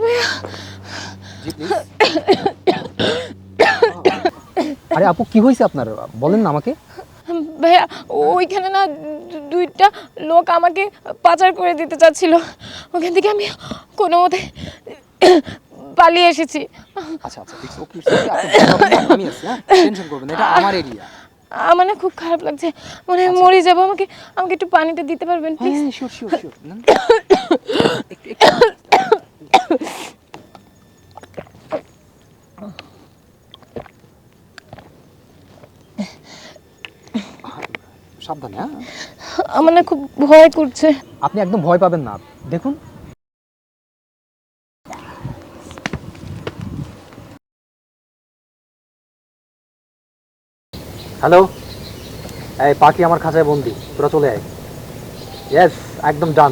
জি please. আরে আপু কি হয়েছে আপনার, বলেন না আমাকে। ভাইয়া ওইখানে না দুইটা লোক আমাকে পাচার করে দিতে চাচ্ছিল, ওখান থেকে আমি কোনো মতে পালিয়ে এসেছি। আচ্ছা আচ্ছা ইটস ওকে, আমি আছি, হ্যাঁ টেনশন করবেন না, এটা আমার এরিয়া। আমার না খুব খারাপ লাগছে, মানে মরে যাবো। আমাকে আমাকে একটু পানিটা দিতে পারবেন প্লিজ? হ্যাঁ শিওর শিওর শিওর। সাবধানে, হ্যাঁ। আমার না খুব ভয় করছে। আপনি একদম ভয় পাবেন না, দেখুন। হ্যালো, এই পাখি আমার খাঁচায় বন্দি, তোরা চলে আয়। ইয়েস, একদম ডান।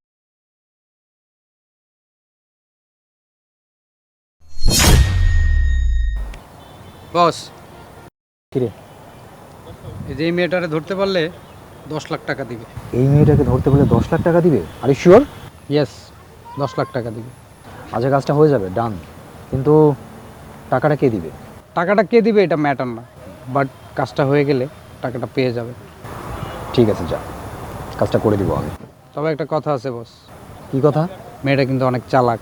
বস, কিরে, এই যে এই মেয়েটারে ধরতে পারলে 10 লাখ টাকা দিবে। এই মেয়েটাকে ধরতে বলে 10 লাখ টাকা দিবে? আরে শিওর? ইয়েস, 10 লাখ টাকা দিবে। আজকে কাজটা হয়ে যাবে, ডান। কিন্তু টাকাটা কে দিবে? টাকাটা কে দিবে এটা ম্যাটার না, বাট কাজটা হয়ে গেলে টাকাটা পেয়ে যাবে। ঠিক আছে, যা, কাজটা করে দিব আমি। তবে একটা কথা আছে বস, কি কথা? মেয়েটা কিন্তু অনেক চালাক।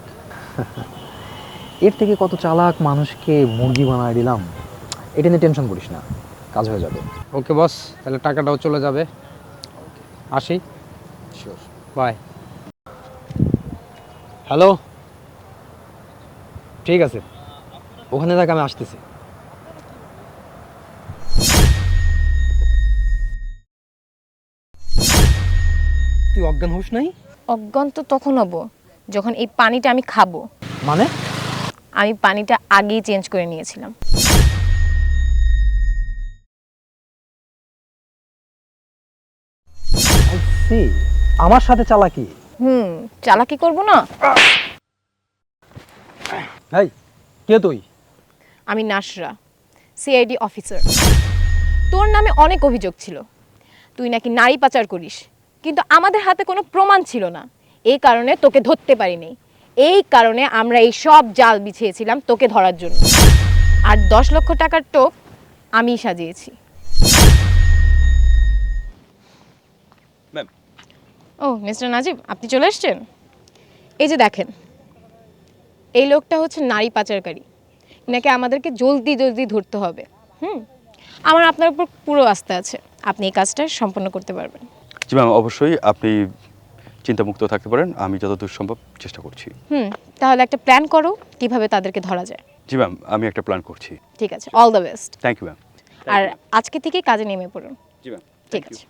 এর থেকে কত চালাক মানুষকে মুরগি বানায় দিলাম, এটা নিয়ে টেনশন করিস না, কাজ হয়ে যাবে। ওকে বস, তাহলে টাকাটাও চলে যাবে। আসি, শিওর। বাই। হ্যালো, ঠিক আছে, ওখানে থাক, আমি আসতেছি। তুই অজ্ঞান হোস নাই? অজ্ঞান তো তখন হব যখন এই পানিটা আমি খাবো। মানে? আমি পানিটা আগেই চেঞ্জ করে নিয়েছিলাম। আমার সাথে চালাকি? চালাকি করব না? এই কে তুই? আমি নাসরা, সিআইডি অফিসার। তোর নামে অনেক অভিযোগ ছিল, তুই নাকি নারী পাচার করিস, কিন্তু আমাদের হাতে কোনো প্রমাণ ছিল না, এই কারণে তোকে ধরতে পারিনি। এই কারণে আমরা এই সব জাল বিছিয়েছিলাম তোকে ধরার জন্য। আর 10 লক্ষ টাকার টোপ আমিই সাজিয়েছি। ও মিস্টার নাজিব, আপনি চলে এসেছেন। এই যে দেখেন, এই লোকটা হচ্ছে নারী পাচারকারী, নাকি আমাদেরকে জলদি জলদি ধরতে হবে। আমার আপনার উপর পুরো আস্থা আছে, আপনি এই কাজটা সম্পন্ন করতে পারবেন। জি ম্যাম, অবশ্যই আপনি চিন্তামুক্ত থাকতে পারেন, আমি যতদূর সম্ভব চেষ্টা করছি। তাহলে একটা প্ল্যান করো কিভাবে তাদেরকে ধরা যায়। জি ম্যাম, আমি একটা প্ল্যান করছি। ঠিক আছে, all the best. Thank you ma'am. আর আজকে থেকে কাজে নেমে পড়ুন। জি ম্যাম, ঠিক আছে।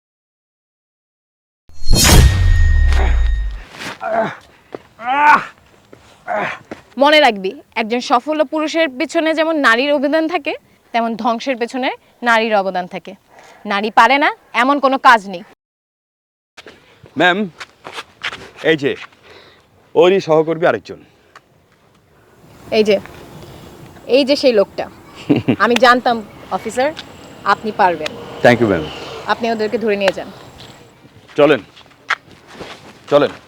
মনে রাখবি, একজন সফল পুরুষের পেছনে যেমন নারীর অবদান থাকে, তেমন ধ্বংসের পেছনে নারীর অবদান থাকে। নারী পারে না এমন কোনো কাজ নেই। ম্যাম, এই যে ওরই সহকর্মী আরেকজন। এই যে সেই লোকটা। আমি জানতাম অফিসার, আপনি পারবেন। Thank you ma'am. আপনি ওদেরকে ধরে নিয়ে যান। চলেন চলেন।